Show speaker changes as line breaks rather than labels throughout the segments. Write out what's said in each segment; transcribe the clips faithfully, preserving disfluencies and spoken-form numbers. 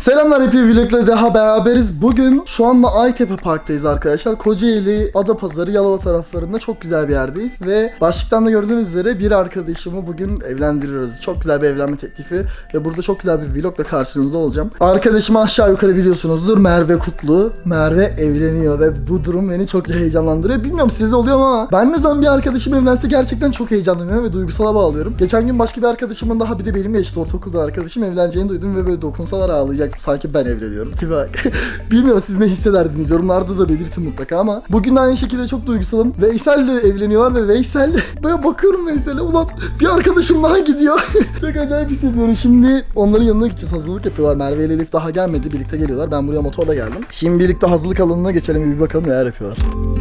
Selamlar, hep vlogla daha beraberiz. Bugün şu anda Aytepe Park'tayız arkadaşlar. Kocaeli, Adapazarı, Yalova taraflarında çok güzel bir yerdeyiz. Ve başlıktan da gördüğünüz üzere bir arkadaşımı bugün evlendiriyoruz. Çok güzel bir evlenme teklifi. Ve burada çok güzel bir vlogla karşınızda olacağım. Arkadaşımı aşağı yukarı biliyorsunuzdur. Merve Kutlu. Merve evleniyor ve bu durum beni çok heyecanlandırıyor. Bilmiyorum sizde de oluyor mu ama ben ne zaman bir arkadaşım evlense gerçekten çok heyecanlanıyorum ve duygusala bağlıyorum. Geçen gün başka bir arkadaşımın daha, bir de benimle işte ortaokulda arkadaşım evleneceğini duydum ve böyle dokunsalar ağlayacaktım. Sanki ben evleniyorum. Tipi bak. Bilmiyorum siz ne hissederdiniz, yorumlarda da belirtin mutlaka ama bugün de aynı şekilde çok duygusalım. Veysel de evleniyorlar ve Veysel böyle bakıyorum Veysel'e, ulan bir arkadaşım daha gidiyor. Çok acayip hissediyorum. Şimdi onların yanına gideceğiz. Hazırlık yapıyorlar. Merve ile Elif daha gelmedi. Birlikte geliyorlar. Ben buraya motorla geldim. Şimdi birlikte hazırlık alanına geçelim. Bir bakalım neler yapıyorlar.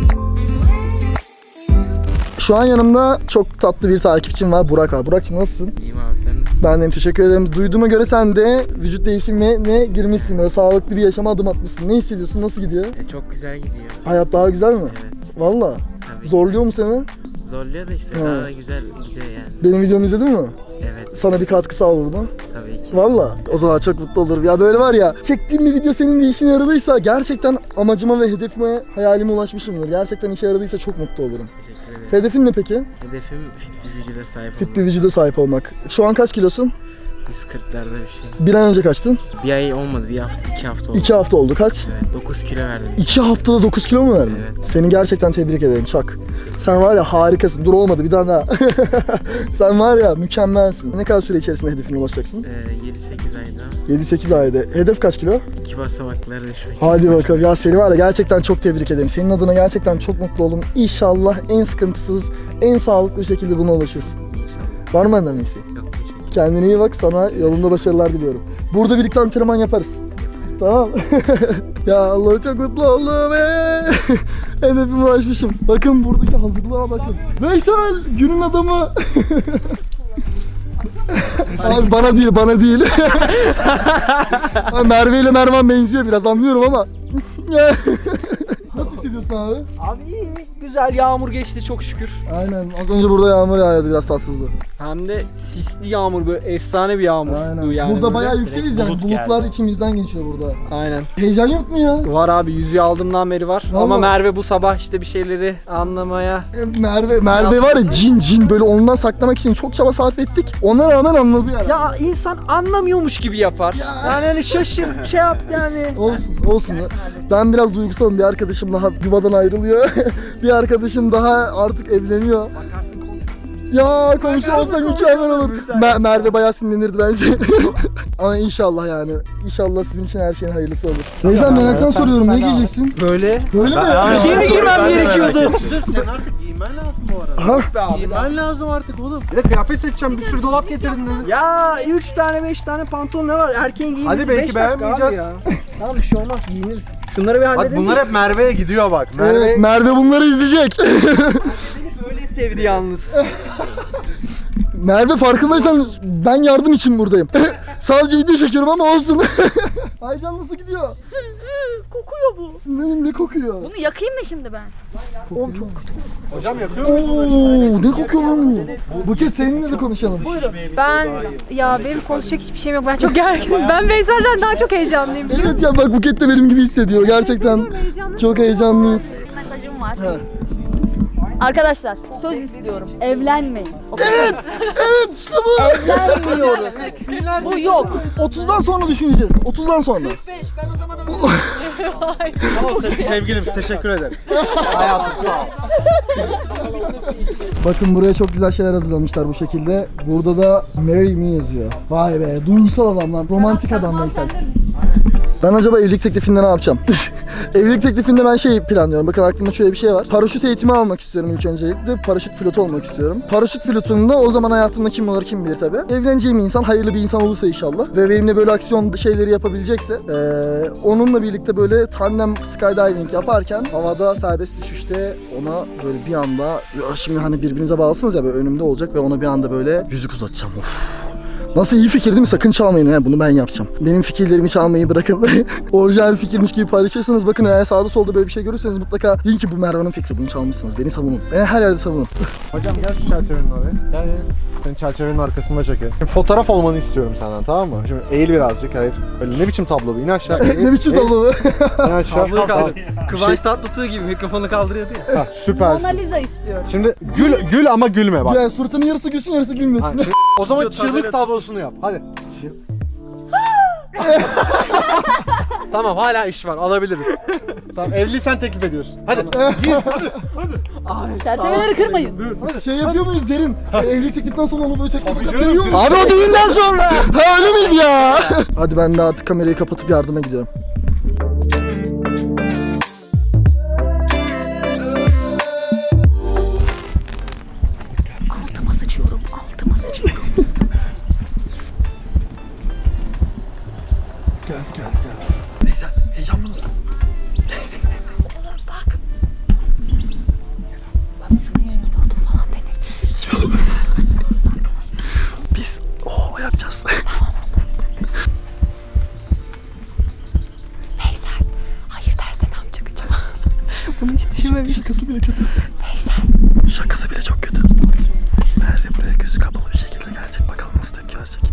Şu an yanımda çok tatlı bir takipçim var. Burak abi. Burak'cığım nasılsın?
İyiyim abi, sen nasılsın?
Ben de teşekkür ederim. Duyduğuma göre sen de vücut değişimine girmişsin. Böyle sağlıklı bir yaşama adım atmışsın. Ne hissediyorsun? Nasıl gidiyor?
E, çok güzel gidiyor.
Hayat daha güzel mi?
Evet.
Valla.
Tabii.
Zorluyor mu seni?
Zorluyor da işte
Ha.
daha da güzel gidiyor yani.
Benim videomu izledin mi?
Evet.
Sana bir katkı sağladı mı?
Tabii ki.
Valla. O zaman çok mutlu olurum. Ya böyle var ya, çektiğim bir video senin bir işine yaradıysa gerçekten amacıma ve hedefime, hayalime ulaşmışımdır. Gerçekten işe yaradıysa çok mutlu olurum.
Teşekkür ederim.
Hedefin ne peki?
Hedefim fit bir vücuda sahip
Fit
olmak.
bir vücuda sahip olmak. Şu an kaç kilosun?
yüz kırklarda bir şey.
Bir ay önce kaçtın?
Bir ay olmadı, bir hafta, iki hafta oldu.
İki hafta oldu. Kaç?
Evet, dokuz kilo verdim.
İki haftada dokuz kilo mu verdin?
Evet.
Seni gerçekten tebrik ederim Çak. Sen var ya harikasın. Dur olmadı bir daha daha. Sen var ya mükemmelsin. Ne kadar süre içerisinde hedefine ulaşacaksın?
Ee, yedi sekiz ayda
yedi sekiz ayda. Hedef kaç kilo?
iki basamaklara düşmek.
Hadi bakalım. Ya seni var ya gerçekten çok tebrik ederim. Senin adına gerçekten çok mutlu oldum. İnşallah en sıkıntısız, en sağlıklı şekilde buna ulaşırsın. Var mı benden bir isteğin?
Çok teşekkür ederim.
Kendine iyi bak, sana yolunda başarılar diliyorum. Burada birlikte antrenman yaparız. Tamam. Ya Allah, çok mutlu oldum be. Hedefime ulaşmışım. Bakın buradaki hazırlığa bakın. Veysel günün adamı. Abi bana değil, bana değil. Abi Merve ile Mervan benziyor biraz, anlıyorum ama. Nasıl hissediyorsun abi?
Abi iyi, güzel, yağmur geçti çok şükür.
Aynen, az önce burada yağmur yağıyordu, biraz tatsızdı.
Hem de sisli yağmur, böyle efsane bir yağmur.
Aynen.
Yani
burada
böyle.
bayağı yükseliz yani,
Bulut
bulutlar
geldi.
içimizden geçiyor burada.
Aynen.
Heyecan yok mu ya?
Var abi, yüzüğü aldığımdan beri var.
Vallahi.
Ama Merve bu sabah işte bir şeyleri anlamaya...
E, Merve, Merve var ya cin cin, böyle ondan saklamak için çok çaba sarf ettik. Ona rağmen anladı yani.
Ya insan anlamıyormuş gibi yapar.
Ya.
Yani hani şaşır, şey yap yani.
Olsun, olsun. Ben biraz duygusalım. Bir arkadaşım daha yuvadan ayrılıyor. Bir arkadaşım daha artık evleniyor. Ya komşu olsa mükemmel olur. Mer- Merve bayağı sinirlenirdi bence. Ama inşallah yani. İnşallah sizin için her şeyin hayırlısı olur. Neyden meraktan soruyorum. Ne giyeceksin?
Böyle.
Böyle mi?
Bir şey mi giymem gerekiyordu?
Sen artık giymen lazım bu arada.
Ha?
Giymen lazım artık oğlum. Bir de kıyafet seçeceğim, bir sürü dolap getirdin dedin.
Ya üç tane beş tane pantolon ne var? Erkeğin giyinmesi
Hadi belki
beş dakika abi
beğenmeyeceğiz.
ya. Tamam, bir şey olmaz, giyiniriz. Şunları bir
Bak
halledelim.
bunlar hep Merve'ye gidiyor bak. Merve
Evet, Merve bunları izleyecek.
Böyle sevdi yalnız.
Merve, farkındaysan ben yardım için buradayım. Sadece video çekiyorum ama olsun. Aycan nasıl gidiyor?
Kokuyor bu.
Benim ne kokuyor?
Bunu yakayım mı şimdi ben?
Oğlum çok kötü.
hocam yakıyor musun?
Oo, ne kokuyor lan bu? Buket, seninle de konuşalım.
Ben ya benim konuşacak hiçbir şeyim yok. Ben çok gerginim. Ben Veysel'den daha çok heyecanlıyım. biliyor musun?
Evet ya, bak Buket de benim gibi hissediyor. Gerçekten
Hissediyorum, heyecanlıyım.
çok heyecanlıyız.
Mesajım var.
Ha.
Arkadaşlar söz istiyorum. Evlenmeyin.
Evet, evet işte bu.
Evlenmiyoruz. Bu yok.
otuzdan sonra düşüneceğiz. otuzdan sonra.
Ben o zaman
Tamam sevgilim, teşekkür ederim. Hayatım sağ ol.
Bakın buraya çok güzel şeyler hazırlamışlar bu şekilde. Burada da Marry Me yazıyor. Vay be, duygusal adam lan. Romantik adam Veysel. Ben acaba evlilik teklifinde ne yapacağım? Evlilik teklifinde ben şey planlıyorum. Bakın aklımda şöyle bir şey var. Paraşüt eğitimi almak istiyorum ilk öncelikle. Paraşüt pilotu olmak istiyorum. Paraşüt pilotunda o zaman hayatımda kim olur kim bilir tabii. Evleneceğim insan hayırlı bir insan olursa inşallah. Ve benimle böyle aksiyon şeyleri yapabilecekse. Ee, onunla birlikte böyle tandem skydiving yaparken havada serbest düşüşte ona böyle bir anda, şimdi hani birbirinize bağlısınız ya, böyle önümde olacak ve ona bir anda böyle yüzük uzatacağım. Of. Nasıl iyi fikir değil mi? Sakın çalmayın ha. Bunu ben yapacağım. Benim fikirlerimi çalmayı bırakın. Orijinal bir fikirmiş gibi paylaşırsanız bakın eğer sağda solda böyle bir şey görürseniz mutlaka deyin ki bu Mervan'ın fikri. Bunu çalmışsınız. Beni savunun. Beni her yerde savunun.
Hocam gel şu çerçevenin oraya. Gel gel. Senin çerçevenin arkasında çekelim. Şimdi fotoğraf olmanı istiyorum senden, tamam mı? Şimdi eğil birazcık, hayır. Öyle ne biçim tablo bu? İn aşağı. eğil,
Ne biçim
eğil,
tablo bu?
İn aşağı.
Tabloyu kaldır.
Şey-
Kıvanç Tatlıtuğ gibi mikrofonu kaldırıyordu ya.
Ha, süpersin.
Mona Lisa istiyorum.
Şimdi gül gül ama gülme bak.
Yani suratının yarısı gülsün yarısı
Ha,
gülmesin.
şimdi- o zaman çığlık tablosunu yap. Hadi. Tamam, hala iş var, alabiliriz. Tamam, evliysen teklif ediyorsun. Hadi. Gir, hadi.
Çerçeveleri kırmayın.
Şey yapıyor muyuz derin? Evlilik tekliften sonra onu böyle teklif
canım.
ediyor muyuz? Abi o düğünden sonra. Ha öyle miydi ya? Hadi ben de artık kamerayı kapatıp yardıma gidiyorum.
Altıma sıçıyorum, altıma sıçıyorum.
Geldi geldi geldi. Neyse heyecanlı mısın?
Oğlum bak. Bak şuraya gidiyordu falan denir.
Biz o yapacağız.
Veysel, hayır derse ne yapacak acaba? Bunu hiç düşünmemiştim.
Şakası bile kötü.
Veysel.
Şakası bile çok kötü. Merve buraya gözü kapalı bir şekilde gelecek. Bakalım nasıl tepki verecek.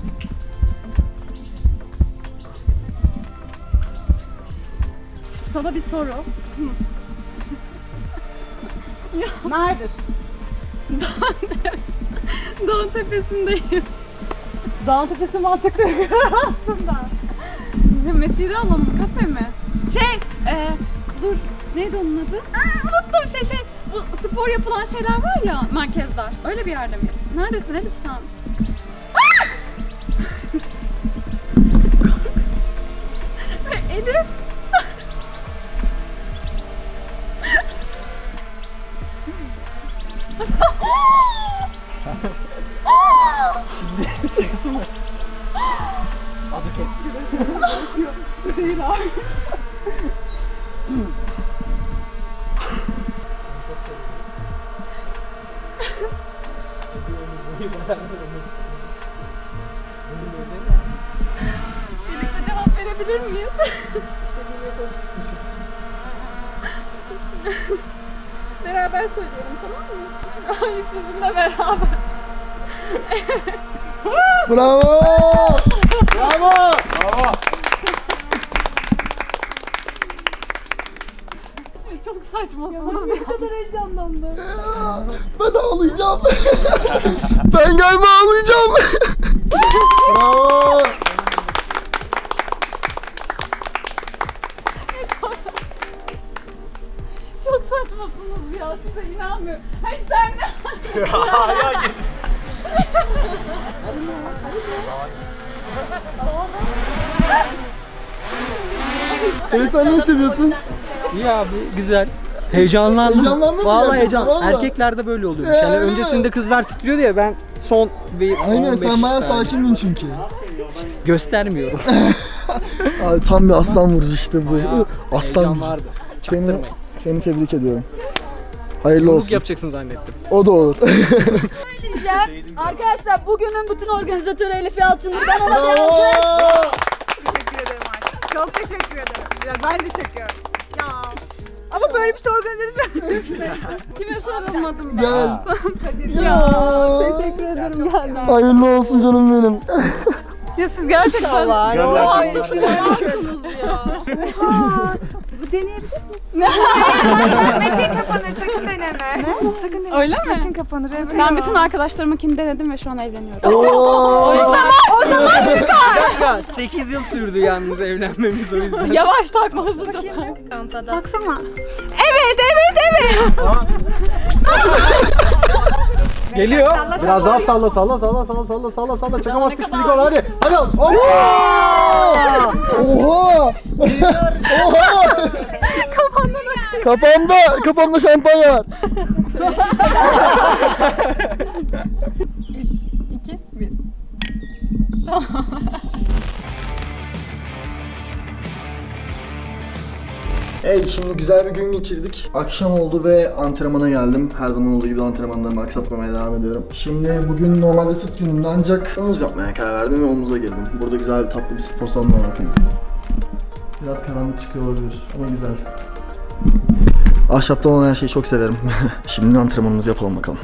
Şimdi sana bir soru. Neredesin?
Dağın tepesindeyim.
Dağın tepesi mantıklı aslında.
Metiri alalım kafe mi? Şey, e, dur neydi onun adı? Aa, unuttum şey şey. Bu spor yapılan şeyler var ya merkezler. Öyle bir yerde miyiz? Neredesin Elif sen? Aa! Elif. Birlikte cevap verebilir miyiz? Beraber söyleyelim tamam mı? Ay sizinle beraber.
Bravo!
Bravo! Bravo!
Çok saçmasınız. Ne kadar heyecanlandım.
Ben ağlayacağım. Ben galiba ağlayacağım. Bravo!
Çok saçmasınız ya size inanmıyorum. Hayır sen de.
Elif sen ne hissediyorsun?
İyi abi, güzel. Heyecanlandım.
Heyecanlandın mı
Vallahi
gerçekten?
heyecan.
Vallahi.
Erkeklerde böyle oluyormuş.
Ee,
Yani
öyle
öncesinde
mi?
kızlar titriyordu ya, ben son bir
Aynen
on beş
sen bayağı
saniye.
sakindin çünkü.
Göstermiyorum.
Abi, tam bir aslan vurucu işte bu. Aslan
Heyecan
vurucu.
vardı.
Seni, seni tebrik ediyorum. Hayırlı
Yumruk
olsun.
yapacaksın zannettim.
O da olur.
Diyeceğim. Arkadaşlar bugünün bütün organizatörü Elif Yalçın'dır. Ben ona bir
Bravo!
alkış.
Teşekkür ederim artık. Çok teşekkür ederim. Ya ben de çekiyorum. Ya. Ama böyle bir şey organize edilmiyor.
Kime sarılmadım ben?
Gel.
Ya teşekkür ederim geldin.
Hayırlı olsun canım benim.
Ya siz gerçekten
Allah
o hastasınız ya.
Bu deneyebilir miyim? Metin kapanır. Sakın deneme. Sakın deneme.
Öyle mi?
Metin kapanır. Evet.
Ben bütün arkadaşlarımınkini denedim ve şu an evleniyorum.
Kanka sekiz yıl sürdü yalnız evlenmemiz, o yüzden.
Yavaş takma hızlı tak.
Baksana. Evet, evet, evet.
Geliyor.
Biraz daha salla salla salla salla salla salla salla çakamazsın silikon hadi. Hadi al. Hop.
Oha! Oha! Kafamda, kafamda şampanya var.
iki, bir.
Hey, şimdi güzel bir gün geçirdik. Akşam oldu ve antrenmana geldim. Her zaman olduğu gibi antrenmanlarımı aksatmamaya devam ediyorum. Şimdi bugün normalde sırt günümde ancak omuz yapmaya karar verdim ve omuza girdim. Burada güzel bir tatlı bir spor salonu var bakın. Biraz karanlık çıkıyor olabilir ama güzel. Ahşaptan olan her şeyi çok severim. Şimdi antrenmanımızı yapalım bakalım.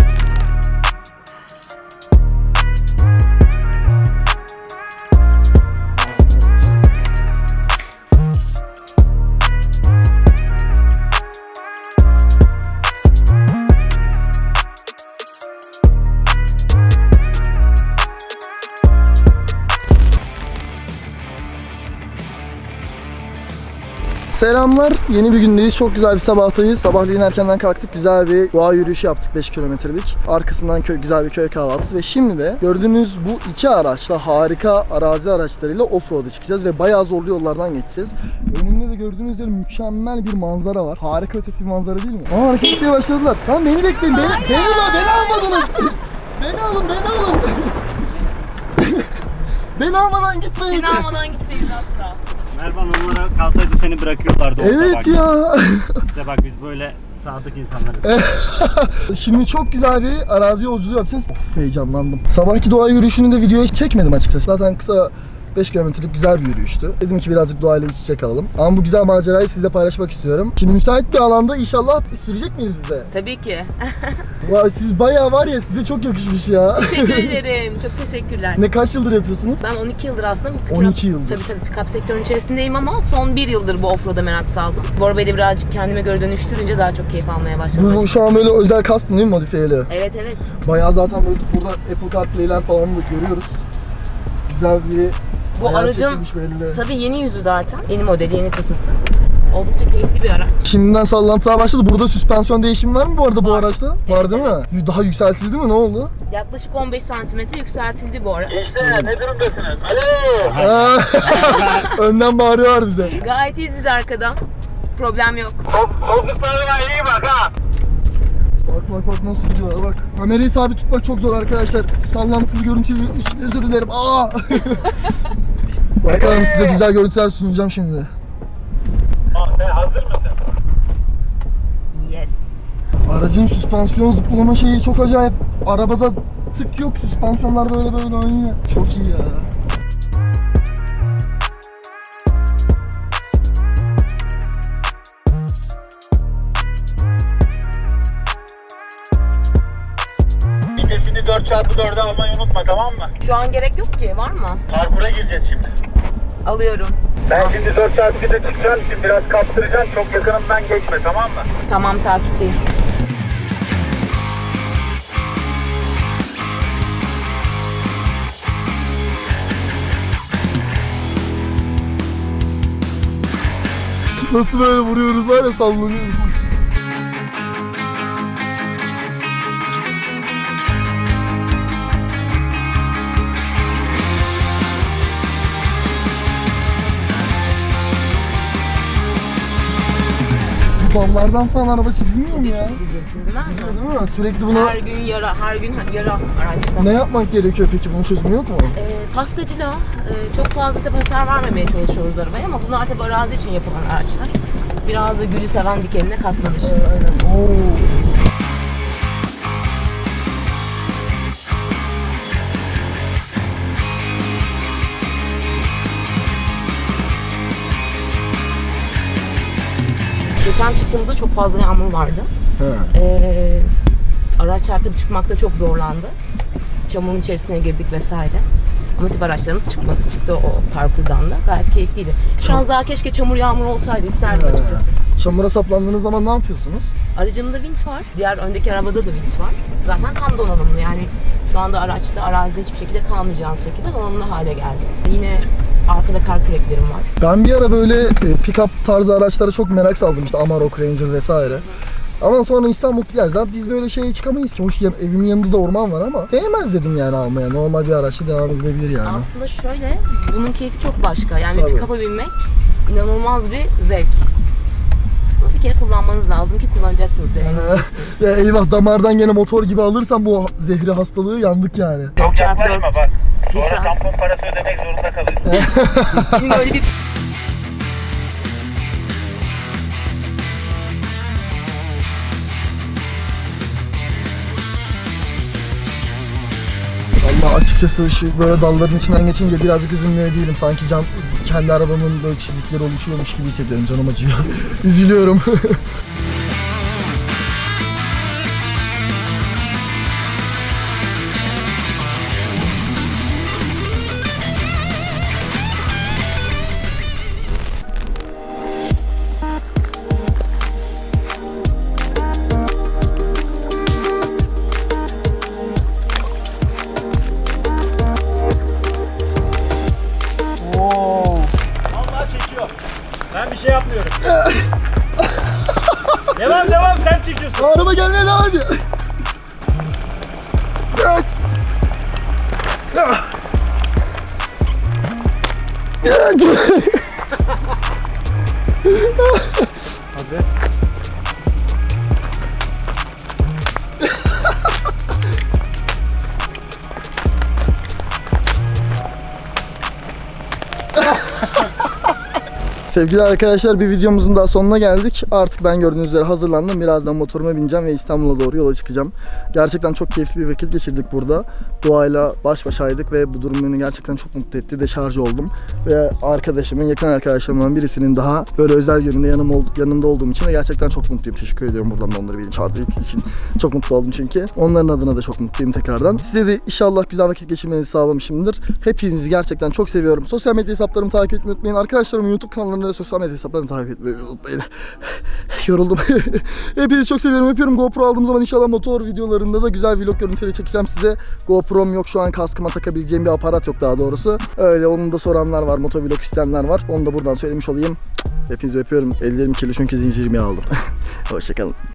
Selamlar. Yeni bir gündeyiz. Çok güzel bir sabahtayız. Sabahleyin erkenden kalktık. Güzel bir doğa yürüyüşü yaptık beş kilometrelik. Arkasından köy, güzel bir köy kahvaltısı ve şimdi de gördüğünüz bu iki araçla harika arazi araçlarıyla offroad'a çıkacağız ve bayağı zorlu yollardan geçeceğiz. Önümde de gördüğünüz üzere mükemmel bir manzara var. Harika ötesi bir manzara değil mi? Aa, hareket etmeye başladılar. Lan beni bekleyin. Beni, beni, beni, beni almadınız. Beni alın, beni alın. Beni almadan gitmeyin.
Seni almadan gitmeyiz asla.
Mervan, onlara kalsaydı seni bırakıyorlardı orada.
Evet
bak.
ya.
İşte bak, biz böyle sadık insanlarız.
Şimdi çok güzel bir arazi yolculuğu yapacağız. Of, heyecanlandım. Sabahki doğa yürüyüşünü de videoya hiç çekmedim açıkçası. Zaten kısa beş kilometrelik güzel bir yürüyüştü. Dedim ki birazcık doğayla iç içe kalalım. Ama bu güzel macerayı sizle paylaşmak istiyorum. Şimdi müsait bir alanda inşallah sürecek miyiz biz de?
Tabii ki.
Vay, siz bayağı var ya, size çok yakışmış ya.
Teşekkür ederim. Çok teşekkürler.
Ne, kaç yıldır yapıyorsunuz?
Ben on iki yıldır aslında pick-up-
on iki yıldır.
Tabii tabii pick-up sektörünün içerisindeyim ama son bir yıldır bu offroad'a merak saldım. Bu arabayı da birazcık kendime göre dönüştürünce daha çok keyif almaya başladım
Bu
açıkçası.
şu an böyle özel custom değil mi, modifiyeli?
Evet evet.
Bayağı zaten böyle burada Apple CarPlay'ler falan da görüyoruz. Güzel bir
Bu
ayar
aracın
çekilmiş belli.
tabii yeni yüzü zaten. Yeni modeli, yeni kasası. Oldukça keyifli bir araç.
Şimdiden sallantılar başladı. Burada süspansiyon değişimi var mı bu arada bu
Var.
araçta? Var değil mi? Daha yükseltildi mi? Ne oldu?
Yaklaşık on beş santimetre yükseltildi bu araç.
Ne durumdasınız? Alo!
Aa, önden bağırıyorlar bize.
Gayet iyiyiz biz arkadan. Problem yok.
Koltuklarına iyi bak ha!
Bak bak bak nasıl gidiyorlar bak. Kamerayı sabit tutmak çok zor arkadaşlar. Sallantılı görüntü için özür dilerim. Aa! Bakalım, size güzel görüntüler sunacağım şimdi.
Sen hazır mısın?
Yes.
Aracın süspansiyon zıplama şeyi çok acayip. Arabada tık yok, süspansiyonlar böyle böyle oynuyor. Çok iyi ya.
Vitesini dört çarpı dörde almayı unutma, tamam mı?
Şu an gerek yok ki. Var mı?
Parkura gireceğiz şimdi.
Alıyorum.
Ben şimdi dört çarpı birde çıkacağım, şimdi biraz kaptıracağım, çok yakınımdan geçme, tamam mı?
Tamam, takipteyim.
Nasıl böyle vuruyoruz var ya, sallanıyoruz. Bu dallardan falan araba çizilmiyor mu ya?
Çiziliyor, çizilmez mi?
Değil mi? Sürekli bunu
Her gün yara, her gün yara araçta.
ne yapmak gerekiyor peki? Bunun çözümü yok mu?
Ee, pastacılığa e, çok fazla tabi hasar vermemeye çalışıyoruz arabaya ama bunlar tabi arazi için yapılan araçlar. Biraz da gülü seven dikenine katlanır.
Ee, aynen. Oo.
Geçen çıktığımızda çok fazla yağmur vardı.
He.
Ee, araçlar tabi çıkmakta çok zorlandı. Çamurun içerisine girdik vesaire. Ama tabi araçlarımız çıkmadı. Çıktı o parkurdan da. Gayet keyifliydi. Şu an daha keşke çamur yağmur olsaydı isterdim
He.
açıkçası.
Çamura saplandığınız zaman ne yapıyorsunuz?
Aracımda vinç var. Diğer öndeki arabada da vinç var. Zaten tam donanımlı yani şu anda araçta arazide hiçbir şekilde kalmayacağınız şekilde donanımlı hale geldi. Yine arkada kar küreklerim var.
Ben bir ara böyle e, pick-up tarzı araçlara çok merak saldım, işte Amarok, Ranger vesaire. Ama sonra İstanbul ya zaten biz böyle şeye çıkamayız ki. Hoş ya, evimin yanında da orman var ama değmez dedim yani almaya. Normal bir araçla devam edilebilir yani.
Aslında şöyle, bunun keyfi çok başka. Yani
Tabii.
pick-up'a binmek inanılmaz bir zevk. Bunu bir kere kullanmanız lazım ki kullanacaksınız, deneyimleyeceksiniz.
Ya eyvah, damardan gene motor gibi alırsam bu zehri hastalığı yandık yani.
dört çarpı dört.
Yaklaşma bak. Sonra
Lütfen.
tampon parası ödemek zorunda kalıyorsun.
Benim öyle bir
açıkçası şu böyle dalların içinden geçince birazcık üzülmüyor değilim. Sanki can, kendi arabamın böyle çizikleri oluşuyormuş gibi hissediyorum. Canım acıyor. Üzülüyorum.
Vallahi çekiyor. Ben bir şey yapmıyorum. Devam devam sen çekiyorsun.
Araba gelmeye devam ediyor.
Hadi.
Sevgili arkadaşlar, bir videomuzun daha sonuna geldik. Artık ben gördüğünüz üzere hazırlandım. Birazdan motoruma bineceğim ve İstanbul'a doğru yola çıkacağım. Gerçekten çok keyifli bir vakit geçirdik burada. Doğayla baş başaydık ve bu durum beni gerçekten çok mutlu etti. Deşarj oldum. Ve arkadaşımın, yakın arkadaşlarımdan birisinin daha böyle özel gününde yanım ol, yanımda olduğum için de gerçekten çok mutluyum. Teşekkür ediyorum buradan da onları beni çağırdığı için. Çok mutlu oldum çünkü. Onların adına da çok mutluyum tekrardan. Size de inşallah güzel vakit geçirmenizi sağlamışımdır. Hepinizi gerçekten çok seviyorum. Sosyal medya hesaplarımı takip etmeyi unutmayın. Arkadaşlarımın YouTube kanallarını ve sosyal medya hesaplarını takip etmeyi unutmayın. Yoruldum. Hepinizi çok seviyorum, öpüyorum. GoPro aldığım zaman inşallah motor videolarında da güzel vlog görüntüleri çekeceğim size. GoPro'm yok şu an, kaskıma takabileceğim bir aparat yok daha doğrusu. Öyle, onu da soranlar var, motovlog isteyenler var. Onu da buradan söylemiş olayım. Hepinizi öpüyorum. Ellerim kirli çünkü zincirimi aldım. Hoşçakalın.